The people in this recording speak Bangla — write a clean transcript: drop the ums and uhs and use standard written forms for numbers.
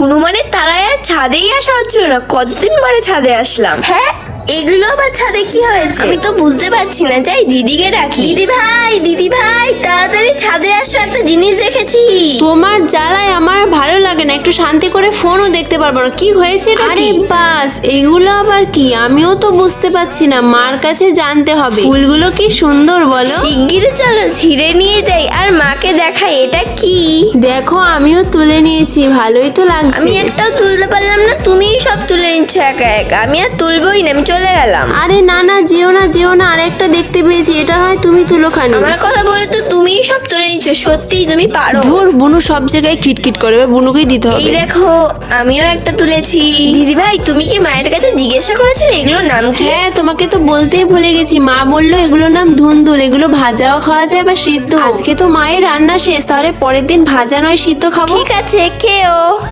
হনুমানের তারায় আর ছাদেই আসা হচ্ছিল না, কতদিন পরে ছাদে আসলাম। হ্যাঁ, এগুলো আবার ছাদে কি হয়েছে আমি তো বুঝতে পারছি না। যাই দিদিকে ডাকি। দিদি ভাই তাড়াতাড়ি ছাদে আসো, একটা জিনিস দেখেছি। তোমার জ্বালায় আমার ভালো লাগে না, একটু শান্তি করে ফোনও দেখতে পারবো না। কি হয়েছে এটা? আরে বাস, এগুলো আবার কি? আমিও তো বুঝতে পারছি না, মার কাছে জানতে হবে। ফুলগুলো কি সুন্দর বলো। শিগগিরই চলো ছিঁড়ে নিয়ে যাই আর মাকে দেখাই এটা কি। দেখো আমিও তুলে নিয়েছি, ভালোই তো লাগছে। আমি একটাও তুলতে পারলাম না, তুমিই সব তুলে নিচ্ছ একা একা। আমি আর তুলবই না, আমি চলে গেলাম। আরে না না, যেও না, আরেকটা দেখতে পেয়েছি, এটা হয় তুমি তুলো খানি। আমার কথা বলে তো তুমিই সব তুলে নিচ্ছ, সত্যিই তুমি পারো। ধুর, বুনু সব জায়গায় খিটখিট করে, এবার বুনুকেই দিতে এই হবে। দেখো আমিও একটা তুলেছি। দিদি ভাই তুমি কি মায়ের কাছে জিজ্ঞাসা করেছিলে এগুলোর নাম কি? হ্যাঁ, তোমাকে তো বলতেই ভুলে গেছি। মা বললো এগুলোর নাম ধুন্দুল, এগুলো ভাজাও খাওয়া যায় বা সিদ্ধ। আজকে তো মায়ের রান্না শেষ, তাহলে পরের দিন ভাজা নয় সিদ্ধ খাবো। ঠিক আছে, খেও।